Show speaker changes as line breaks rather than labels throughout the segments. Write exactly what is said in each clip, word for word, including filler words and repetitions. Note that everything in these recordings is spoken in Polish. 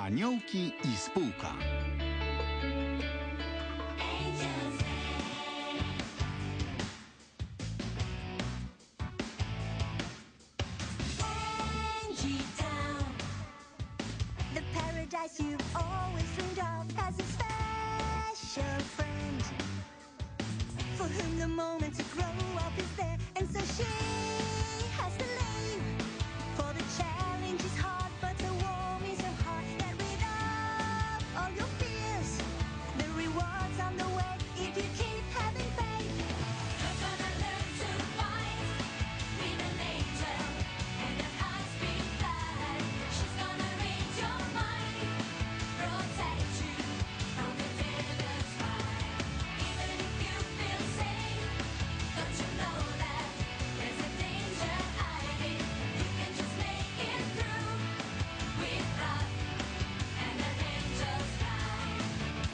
Aniołki i spółka.
The paradise you've always dreamed of has a special friend for whom the moment to grow up is there, and so she has to leave. For the challenge is hard, but the warm is her heart. Get rid of all your fears. The rewards on the way if you keep having faith. You're gonna learn to fight with an angel and a high-speed flight. She's gonna read your mind, protect you from the devil's fire. Even if you feel safe, don't you know that there's a danger hiding? You can just make it through with love and an angel's flight.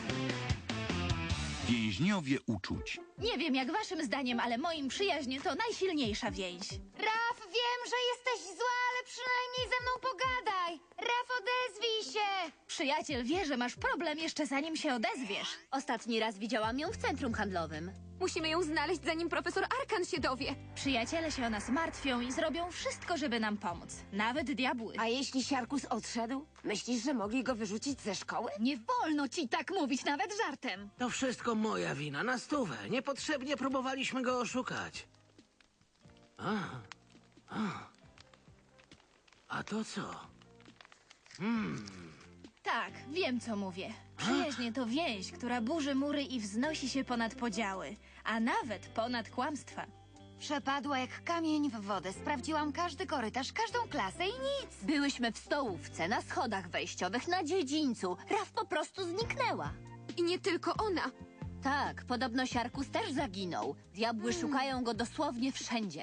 Więźniowie uczuć.
Nie wiem jak waszym zdaniem, ale moim przyjaźń to najsilniejsza więź.
Raf, wiem, że jesteś zła, ale przynajmniej ze mną pogadaj. Raf, odezwij się.
Przyjaciel wie, że masz problem jeszcze zanim się odezwiesz.
Ostatni raz widziałam ją w centrum handlowym.
Musimy ją znaleźć, zanim profesor Arkan się dowie.
Przyjaciele się o nas martwią i zrobią wszystko, żeby nam pomóc. Nawet diabły.
A jeśli Siarkus odszedł? Myślisz, że mogli go wyrzucić ze szkoły?
Nie wolno ci tak mówić, nawet żartem.
To wszystko moja wina, na stówę. Niepotrzebnie próbowaliśmy go oszukać. A, a. A to co?
Tak, wiem co mówię. Przyjaźń to więź, która burzy mury i wznosi się ponad podziały, a nawet ponad kłamstwa.
Przepadła jak kamień w wodę. Sprawdziłam każdy korytarz, każdą klasę i nic.
Byłyśmy w stołówce, na schodach wejściowych, na dziedzińcu. Raf po prostu zniknęła.
I nie tylko ona.
Tak, podobno Siarkus też zaginął. Diabły szukają go dosłownie wszędzie.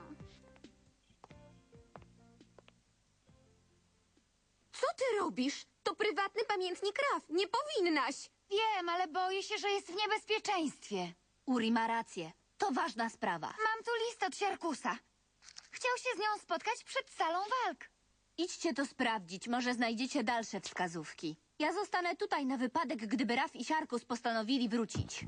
Co ty robisz? To prywatny pamiętnik Raf. Nie powinnaś.
Wiem, ale boję się, że jest w niebezpieczeństwie.
Uri ma rację. To ważna sprawa.
Mam tu list od Siarkusa. Chciał się z nią spotkać przed salą walk.
Idźcie to sprawdzić, może znajdziecie dalsze wskazówki. Ja zostanę tutaj na wypadek, gdyby Raf i Siarkus postanowili wrócić.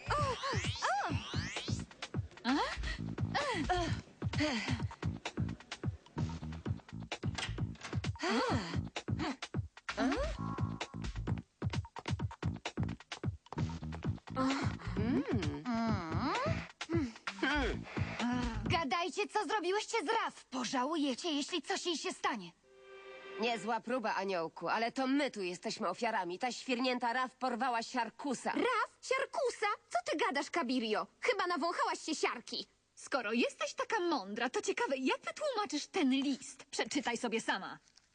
Gadajcie, co zrobiłyście z Raf. Pożałujecie, jeśli coś jej się stanie.
Niezła próba, Aniołku, ale to my tu jesteśmy ofiarami. Ta świrnięta Raf porwała Siarkusa.
Raf? Siarkusa? Co ty gadasz, Kabirio? Chyba nawąchałaś się siarki.
Skoro jesteś taka mądra, to ciekawe, jak wytłumaczysz ten list? Przeczytaj sobie sama.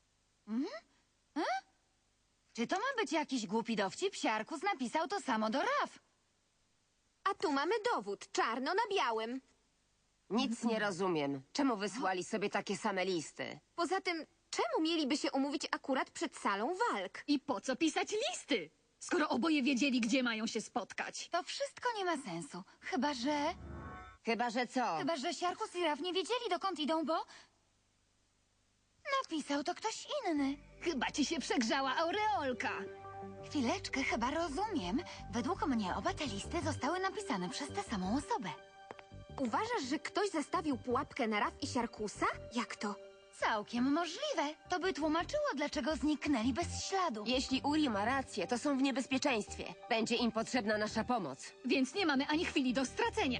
Czy to ma być jakiś głupi dowcip? Siarkus napisał to samo do Raf.
A tu mamy dowód, czarno na białym.
Nic nie rozumiem. Czemu wysłali sobie takie same listy?
Poza tym, czemu mieliby się umówić akurat przed salą walk?
I po co pisać listy? Skoro oboje wiedzieli, gdzie mają się spotkać.
To wszystko nie ma sensu. Chyba, że...
Chyba, że co?
Chyba, że Siarkus i Raf nie wiedzieli, dokąd idą, bo... Napisał to ktoś inny.
Chyba ci się przegrzała aureolka.
Chwileczkę, chyba rozumiem. Według mnie oba te listy zostały napisane przez tę samą osobę.
Uważasz, że ktoś zastawił pułapkę na Raf i Siarkusa? Jak to?
Całkiem możliwe. To by tłumaczyło, dlaczego zniknęli bez śladu.
Jeśli Uri ma rację, to są w niebezpieczeństwie. Będzie im potrzebna nasza pomoc.
Więc nie mamy ani chwili do stracenia.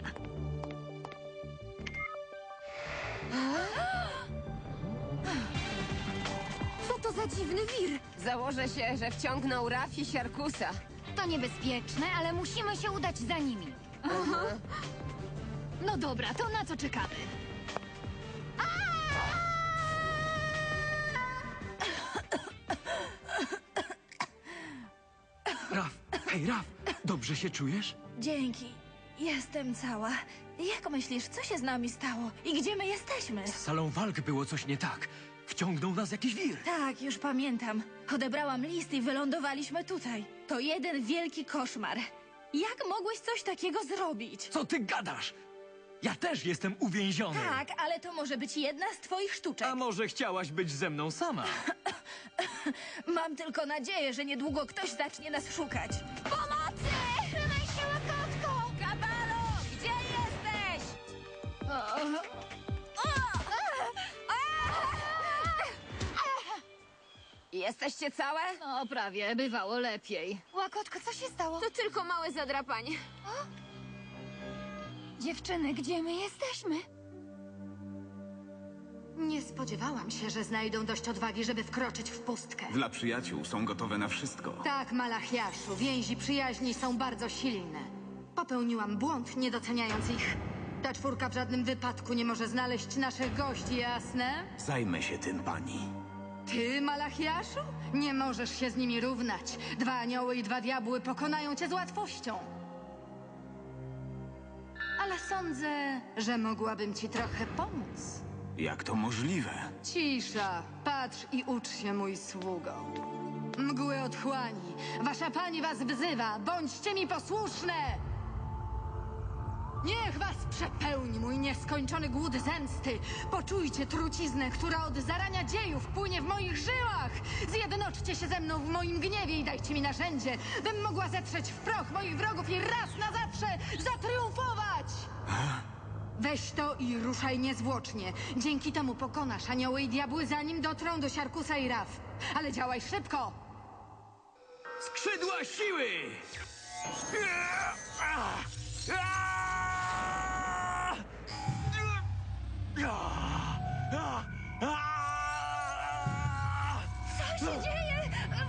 Co to za dziwny wir?
Założę się, że wciągnął Raf i Siarkusa.
To niebezpieczne, ale musimy się udać za nimi.
No dobra, to na co czekamy?
Raf, hej Raf, dobrze się czujesz?
Dzięki. Jestem cała. Jak myślisz, co się z nami stało? I gdzie my jesteśmy?
Z salą walk było coś nie tak. Wciągnął nas jakiś wir.
Tak, już pamiętam. Odebrałam list i wylądowaliśmy tutaj. To jeden wielki koszmar. Jak mogłeś coś takiego zrobić?
Co ty gadasz? Ja też jestem uwięziony.
Tak, ale to może być jedna z twoich sztuczek.
A może chciałaś być ze mną sama?
Mam tylko nadzieję, że niedługo ktoś zacznie nas szukać.
Pomocy! Trzymaj się, Łakotko! Kabalo, gdzie jesteś?
Jesteście całe?
No, prawie. Bywało lepiej.
Łakotko, co się stało?
To tylko małe zadrapanie.
Dziewczyny, gdzie my jesteśmy?
Nie spodziewałam się, że znajdą dość odwagi, żeby wkroczyć w pustkę.
Dla przyjaciół są gotowe na wszystko.
Tak, Malachiaszu, więzi przyjaźni są bardzo silne. Popełniłam błąd, nie doceniając ich. Ta czwórka w żadnym wypadku nie może znaleźć naszych gości, jasne?
Zajmę się tym, pani.
Ty, Malachiaszu? Nie możesz się z nimi równać. Dwa anioły i dwa diabły pokonają cię z łatwością. Ale sądzę, że mogłabym ci trochę pomóc.
Jak to możliwe?
Cisza, patrz i ucz się, mój sługo. Mgły otchłani, wasza pani was wzywa, bądźcie mi posłuszne! Niech was przepełni mój nieskończony głód zemsty. Poczujcie truciznę, która od zarania dziejów płynie w moich żyłach. Zjednoczcie się ze mną w moim gniewie i dajcie mi narzędzie, bym mogła zetrzeć w proch moich wrogów i raz na zawsze zatriumfować! Weź to i ruszaj niezwłocznie. Dzięki temu pokonasz anioły i diabły, zanim dotrą do Siarkusa i Raf. Ale działaj szybko!
Skrzydła siły!
Co się dzieje?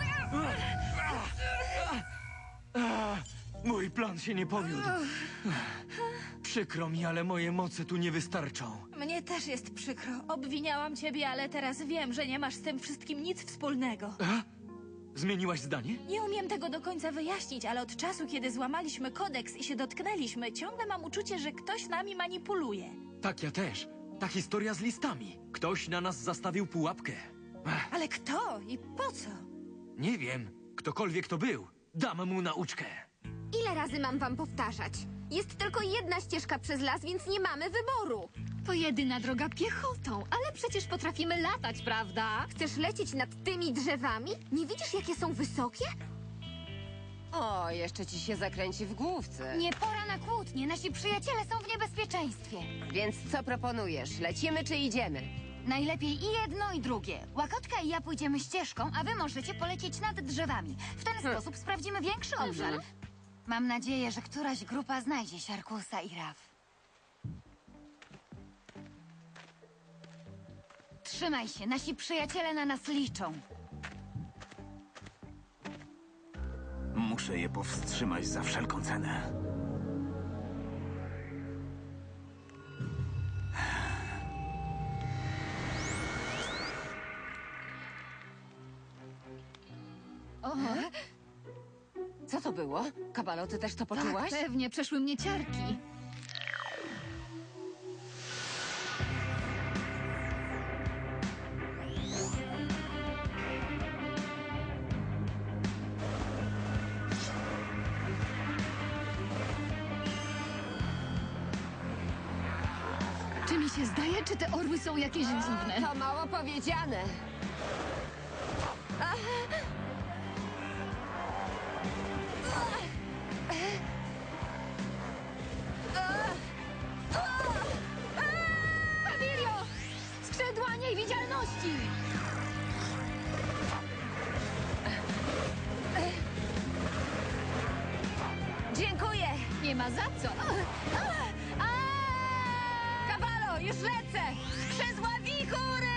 Mój plan się nie powiódł. Przykro mi, ale moje moce tu nie wystarczą.
Mnie też jest przykro. Obwiniałam ciebie, ale teraz wiem, że nie masz z tym wszystkim nic wspólnego.
Zmieniłaś zdanie?
Nie umiem tego do końca wyjaśnić, ale od czasu, kiedy złamaliśmy kodeks i się dotknęliśmy, ciągle mam uczucie, że ktoś nami manipuluje.
Tak, ja też. Ta historia z listami. Ktoś na nas zastawił pułapkę. Ech,
Ale kto i po co?
nie wiem. Ktokolwiek to był, dam mu nauczkę.
Ile razy mam wam powtarzać? Jest tylko jedna ścieżka przez las, więc nie mamy wyboru.
To jedyna droga piechotą, ale przecież potrafimy latać, prawda?
Chcesz lecieć nad tymi drzewami? Nie widzisz, jakie są wysokie?
O, jeszcze ci się zakręci w główce.
Nie pora na kłótnie, nasi przyjaciele są w niebezpieczeństwie.
Więc co proponujesz? Lecimy czy idziemy?
Najlepiej i jedno, i drugie. Łakotka i ja pójdziemy ścieżką, a wy możecie polecieć nad drzewami. W ten sposób sprawdzimy większy obszar. Mam nadzieję, że któraś grupa znajdzie Siarkusa i Raf. Trzymaj się, nasi przyjaciele na nas liczą.
Muszę je powstrzymać za wszelką cenę.
Co to było? Kabalo, ty też to poczułaś?
Tak, pewnie, przeszły mnie ciarki. Czy mi się zdaje, czy te orły są jakieś dziwne?
To mało powiedziane.
Pawirio! Skrzydła niewidzialności!
Dziękuję!
Nie ma za co.
Kabalo, już lecę! Skrzydła wichury!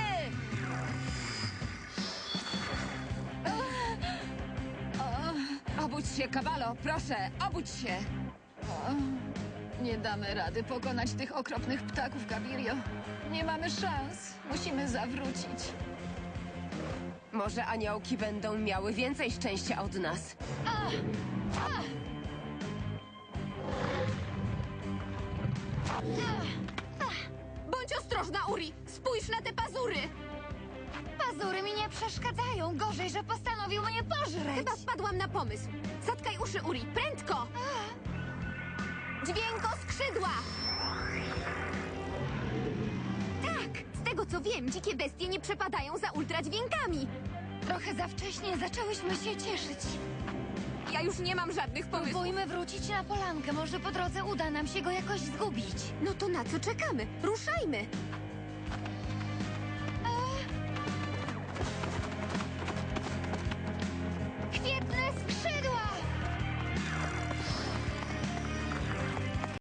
Obudź się, Kabalo, proszę, obudź się!
Nie damy rady pokonać tych okropnych ptaków, Gavirio. Nie mamy szans. Musimy zawrócić.
Może aniołki będą miały więcej szczęścia od nas.
Bądź ostrożna, Uri! Spójrz na te pazury!
Pazury mi nie przeszkadzają. Gorzej, że postanowił mnie pożreć.
Chyba wpadłam na pomysł. Zatkaj uszy, Uri, prędko! Dźwięko skrzydła! Tak, z tego co wiem, dzikie bestie nie przepadają za ultradźwiękami.
Trochę za wcześnie zaczęłyśmy się cieszyć.
Ja już nie mam żadnych pomysłów.
Próbujmy wrócić na polankę. Może po drodze uda nam się go jakoś zgubić.
No to na co czekamy? Ruszajmy!